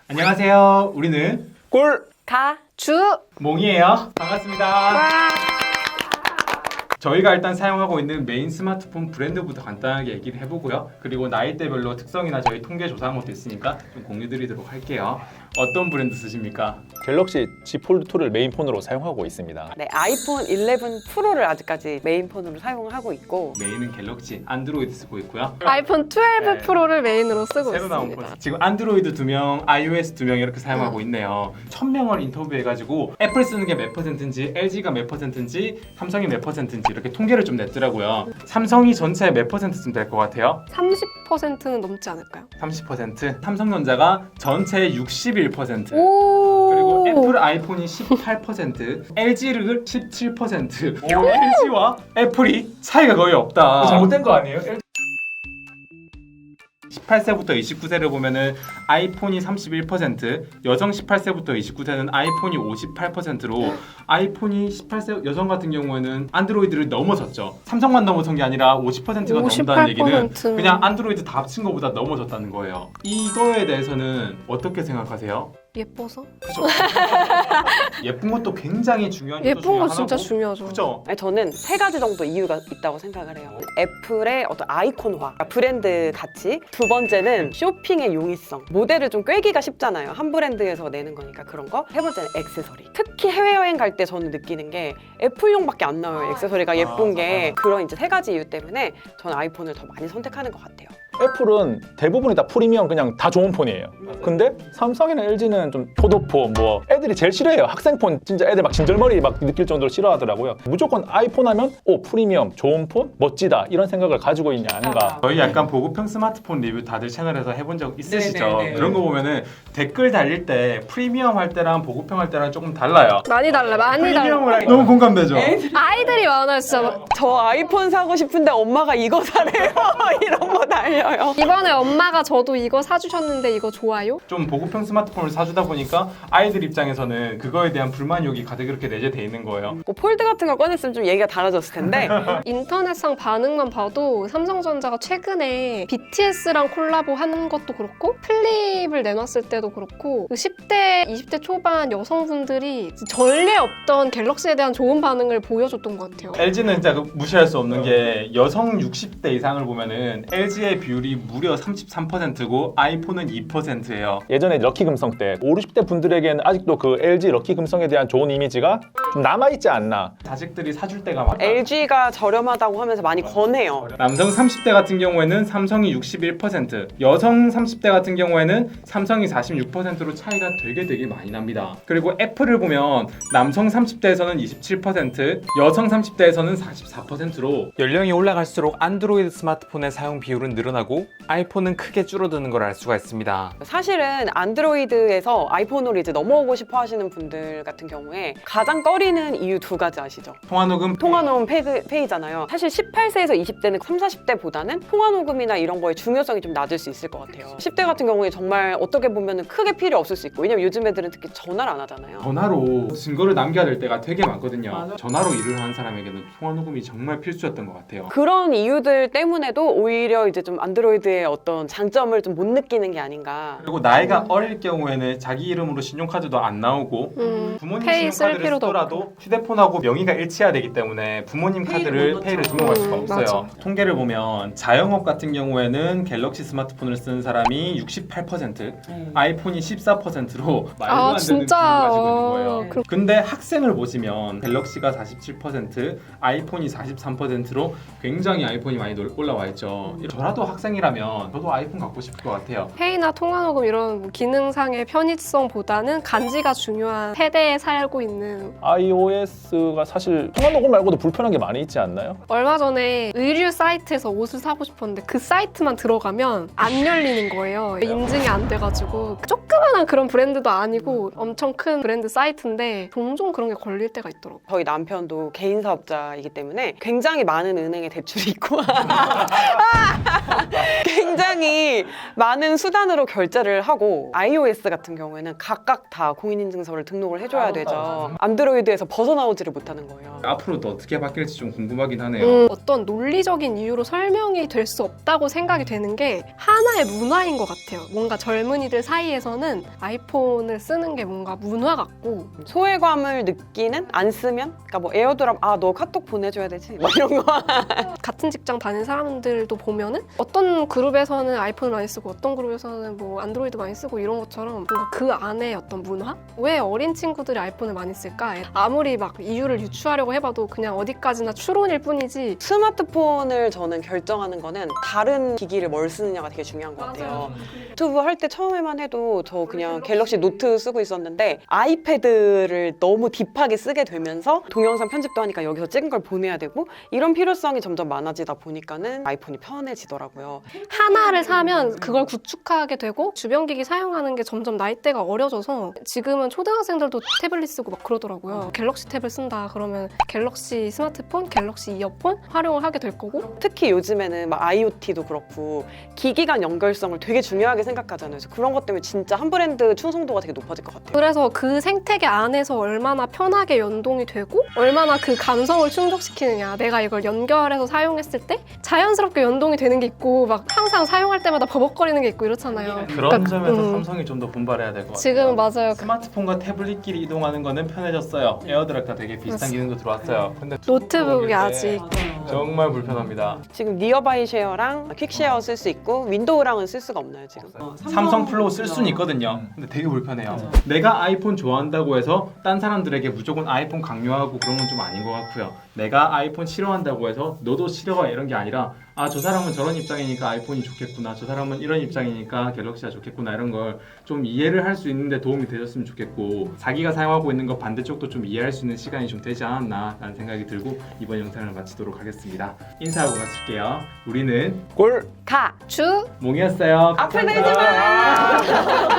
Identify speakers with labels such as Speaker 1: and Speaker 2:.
Speaker 1: 안녕하세요. 우리는
Speaker 2: 가주
Speaker 1: 몽이에요. 반갑습니다. 저희가 일단 사용하고 있는 메인 스마트폰 브랜드부터 간단하게 얘기를 해보고요. 그리고 나이대별로 특성이나 저희 통계 조사한 것도 있으니까 좀 공유드리도록 할게요. 어떤 브랜드 쓰십니까?
Speaker 3: 갤럭시 Z 폴드2를 메인폰으로 사용하고 있습니다.
Speaker 2: 네, 아이폰 11 프로를 아직까지 메인폰으로 사용하고 있고
Speaker 1: 메인은 갤럭시, 안드로이드 쓰고 있고요.
Speaker 4: 아이폰 12
Speaker 1: 네.
Speaker 4: 프로를 메인으로 쓰고
Speaker 1: 새로 나온
Speaker 4: 있습니다.
Speaker 1: 폰. 지금 안드로이드 2명, iOS 2명 이렇게 사용하고 있네요. 1000명을 인터뷰해가지고 애플 쓰는 게 몇 퍼센트인지, LG가 몇 퍼센트인지, 삼성이 몇 퍼센트인지 이렇게 통계를 좀 냈더라고요. 삼성이 전체 몇 퍼센트쯤 될 것 같아요?
Speaker 4: 30%는 넘지 않을까요?
Speaker 1: 30%. 삼성전자가 전체의 61%.
Speaker 4: 오.
Speaker 1: 그리고 애플 아이폰이 18%, LG를 17%. LG와 애플이 차이가 거의 없다.
Speaker 5: 잘못된 거 아니에요?
Speaker 1: 18세부터 29세를 보면은 아이폰이 31%, 여성 18세부터 29세는 아이폰이 58%로 아이폰이 18세 여성 같은 경우에는 안드로이드를 넘어섰죠. 삼성만 넘어선 게 아니라 50%가 넘는다는 얘기는
Speaker 4: 58%는
Speaker 1: 그냥 안드로이드 다 합친 것보다 넘어졌다는 거예요. 이거에 대해서는 어떻게 생각하세요?
Speaker 4: 예뻐서?
Speaker 1: 그죠? 예쁜 것도 굉장히 중요한 요소
Speaker 4: 예쁜
Speaker 1: 중에
Speaker 4: 거
Speaker 1: 하나고,
Speaker 4: 진짜 중요하죠.
Speaker 1: 그죠?
Speaker 2: 아니, 저는 세 가지 정도 이유가 있다고 생각을 해요. 애플의 어떤 아이콘화, 브랜드 가치. 두 번째는 쇼핑의 용이성. 모델을 좀 꿰기가 쉽잖아요. 한 브랜드에서 내는 거니까 그런 거. 세 번째는 액세서리. 특히 해외여행 갈 때 저는 느끼는 게 애플용밖에 안 나와요. 액세서리가 예쁜 게. 그런 이제 세 가지 이유 때문에 저는 아이폰을 더 많이 선택하는 것 같아요.
Speaker 3: 애플은 대부분이 다 프리미엄 그냥 다 좋은 폰이에요. 근데 삼성이나 LG는 좀 효도폰 뭐 애들이 제일 싫어해요. 학생폰 진짜 애들 막 진절머리 막 느낄 정도로 싫어하더라고요. 무조건 아이폰 하면 오 프리미엄 좋은 폰 멋지다 이런 생각을 가지고 있냐 아닌가.
Speaker 1: 저희 약간 보급형 스마트폰 리뷰 다들 채널에서 해본 적 있으시죠?
Speaker 5: 네네네.
Speaker 1: 그런 거 보면은 댓글 달릴 때 프리미엄 할 때랑 보급형 할 때랑 조금 달라요.
Speaker 4: 많이 달라, 많이 달라.
Speaker 1: 프리미엄을 하기 너무 공감되죠?
Speaker 4: 아이들이 많아요, 진짜.
Speaker 2: 저 아이폰 사고 싶은데 엄마가 이거 사래요. 이런 거 달려요.
Speaker 4: 이번에 엄마가 저도 이거 사주셨는데 이거 좋아요?
Speaker 1: 좀 보급형 스마트폰을 사주다 보니까 아이들 입장에서는 그거에 대한 불만욕이 가득 이렇게 내재돼 있는 거예요.
Speaker 2: 뭐 폴드 같은 거 꺼냈으면 좀 얘기가 달라졌을 텐데
Speaker 4: 인터넷상 반응만 봐도 삼성전자가 최근에 BTS랑 콜라보 하는 것도 그렇고 플립을 내놨을 때도 그렇고 10대, 20대 초반 여성분들이 전례 없던 갤럭시에 대한 좋은 반응을 보여줬던 것 같아요.
Speaker 1: LG는 진짜 무시할 수 없는 게 여성 60대 이상을 보면은 LG의 비율이 무려 33%고 아이폰은 2%예요.
Speaker 3: 예전에 럭키 금성 때 5, 60대 분들에게는 아직도 그 LG 럭키 금성에 대한 좋은 이미지가 좀 남아있지 않나.
Speaker 1: 자식들이 사줄 때가 많다.
Speaker 2: LG가 저렴하다고 하면서 많이 권해요.
Speaker 1: 남성 30대 같은 경우에는 삼성이 61%, 여성 30대 같은 경우에는 삼성이 46%로 차이가 되게 많이 납니다. 그리고 애플을 보면 남성 30대에서는 27%, 여성 30대에서는 44%로
Speaker 5: 연령이 올라갈수록 안드로이드 스마트폰의 사용 비율은 늘어나고 아이폰은 크게 줄어드는 걸 알 수가 있습니다.
Speaker 2: 사실은 안드로이드에서 아이폰으로 이제 넘어오고 싶어 하시는 분들 같은 경우에 가장 꺼리는 이유 두 가지 아시죠?
Speaker 1: 통화녹음
Speaker 2: 통화녹음 페이잖아요. 사실 18세에서 20대는 30, 40대보다는 통화녹음이나 이런 거의 중요성이 좀 낮을 수 있을 것 같아요. 10대 같은 경우에 정말 어떻게 보면 크게 필요 없을 수 있고, 왜냐면 요즘 애들은 특히 전화를 안 하잖아요.
Speaker 1: 전화로 증거를 남겨야 될 때가 되게 많거든요. 전화로 일을 하는 사람에게는 통화녹음이 정말 필수였던 것 같아요.
Speaker 2: 그런 이유들 때문에도 오히려 이제 좀 안드로이드의 어떤 장점을 좀 못 느끼는 게 아닌가.
Speaker 1: 그리고 나이가 어릴 경우에는 자기 이름으로 신용카드도 안 나오고 부모님
Speaker 4: 페이 쓸
Speaker 1: 신용카드를
Speaker 4: 필요도
Speaker 1: 쓰더라도 휴대폰하고 명의가 일치해야 되기 때문에 부모님 카드를 페이를 등록할 수가 없어요.
Speaker 4: 맞아.
Speaker 1: 통계를 보면 자영업 같은 경우에는 갤럭시 스마트폰을 쓰는 사람이 68%, 아이폰이 14%로 말도 안 되는
Speaker 4: 진짜.
Speaker 1: 비율을 가지고 있는 거예요.
Speaker 4: 그렇-
Speaker 1: 근데 학생을 보시면 갤럭시가 47%, 아이폰이 43%로 굉장히 아이폰이 많이 올라와 있죠. 저라도 학생이라면 저도 아이폰 갖고 싶을 것 같아요.
Speaker 4: 페이나 통화녹음 이런 뭐 기능상의 편의성보다는 간지가 중요한 세대에 살고 있는.
Speaker 3: iOS가 사실 통화 녹음 말고도 불편한 게 많이 있지 않나요?
Speaker 4: 얼마 전에 의류 사이트에서 옷을 사고 싶었는데 그 사이트만 들어가면 안 열리는 거예요. 인증이 안 돼가지고 조그만한 그런 브랜드도 아니고 엄청 큰 브랜드 사이트인데 종종 그런 게 걸릴 때가 있더라고요.
Speaker 2: 저희 남편도 개인 사업자이기 때문에 굉장히 많은 은행에 대출이 있고 굉장히 많은 수단으로 결제를 하고 iOS 같은 경우에는 각각 다 공인인증서를 등록을 해줘야 되죠. 안드로이드에서 벗어나오지를 못하는 거예요.
Speaker 1: 앞으로 또 어떻게 바뀔지 좀 궁금하긴 하네요.
Speaker 4: 어떤 논리적인 이유로 설명이 될 수 없다고 생각이 되는 게 하나의 문화인 것 같아요. 뭔가 젊은이들 사이에서는 아이폰을 쓰는 게 뭔가 문화 같고
Speaker 2: 소외감을 느끼는 안 쓰면 그러니까 뭐 에어드랍 너 카톡 보내줘야 되지 뭐 이런 거
Speaker 4: 같은 직장 다니는 사람들도 보면은 어떤 그룹에서는 아이폰을 많이 쓰고 어떤 그룹에서는 뭐 안드로이드 많이 쓰고 이런 것처럼 뭔가 그 안에 어떤 문화? 왜 어린 친구들이 아이폰을 많이 쓸까? 아무리 막 이유를 유추하려고 해봐도 그냥 어디까지나 추론일 뿐이지.
Speaker 2: 스마트폰을 저는 결정하는 거는 다른 기기를 뭘 쓰느냐가 되게 중요한 것 같아요. 유튜브 할 때 처음에만 해도 저 그냥 갤럭시 노트 쓰고 있었는데 아이패드를 너무 딥하게 쓰게 되면서 동영상 편집도 하니까 여기서 찍은 걸 보내야 되고 이런 필요성이 점점 많아지다 보니까는 아이폰이 편해지더라고요.
Speaker 4: 하나를 사면 그걸 구축하게 되고 주변 기기 사용하는 게 점점 나이대가 어려져서 지금은 초등학생들도 태블릿 쓰고 막 그러더라고요. 갤럭시 탭을 쓴다 그러면 갤럭시 스마트폰, 갤럭시 이어폰 활용을 하게 될 거고
Speaker 2: 특히 요즘에는 막 IoT도 그렇고 기기 간 연결성을 되게 중요하게 생각하잖아요. 그래서 그런 것 때문에 진짜 한 브랜드 충성도가 되게 높아질 것 같아요.
Speaker 4: 그래서 그 생태계 안에서 얼마나 편하게 연동이 되고 얼마나 그 감성을 충족시키느냐 내가 이걸 연결해서 사용했을 때 자연스럽게 연동이 되는 게 있고 막 항상 사용할 때마다 버벅거리는 게 있고 이렇잖아요.
Speaker 1: 그런 점에서 삼성이 좀 더 분발해야 될 것 같아요.
Speaker 4: 지금 맞아요.
Speaker 1: 스마트폰과 태블릿끼리 이동하는 거는 편해졌어요. 에어드랍과 되게 비슷한 기능도 들어왔어요. 근데
Speaker 4: 노트북이 아직
Speaker 1: 정말 불편합니다.
Speaker 2: 지금 니어바이 쉐어랑 퀵쉐어 쓸 수 있고 윈도우랑은 쓸 수가 없나요 지금?
Speaker 1: 삼성 플로우 쓸 수는 있거든요. 근데 되게 불편해요. 내가 아이폰 좋아한다고 해서 딴 사람들에게 무조건 아이폰 강요하고 그런 건 좀 아닌 것 같고요. 내가 아이폰 싫어한다고 해서 너도 싫어해 이런 게 아니라 저 사람은 저런 입장이니까 아이폰이 좋겠구나, 저 사람은 이런 입장이니까 갤럭시가 좋겠구나 이런 걸 좀 이해를 할 수 있는데 도움이 되셨으면 좋겠고 자기가 사용하고 있는 거 반대쪽도 좀 이해할 수 있는 시간이 좀 되지 않았나 라는 생각이 들고 이번 영상을 마치도록 하겠습니다. 인사하고 마칠게요. 우리는
Speaker 3: 꿀
Speaker 2: 가!
Speaker 4: 주
Speaker 1: 몽이었어요.
Speaker 2: 앞을 내지 마!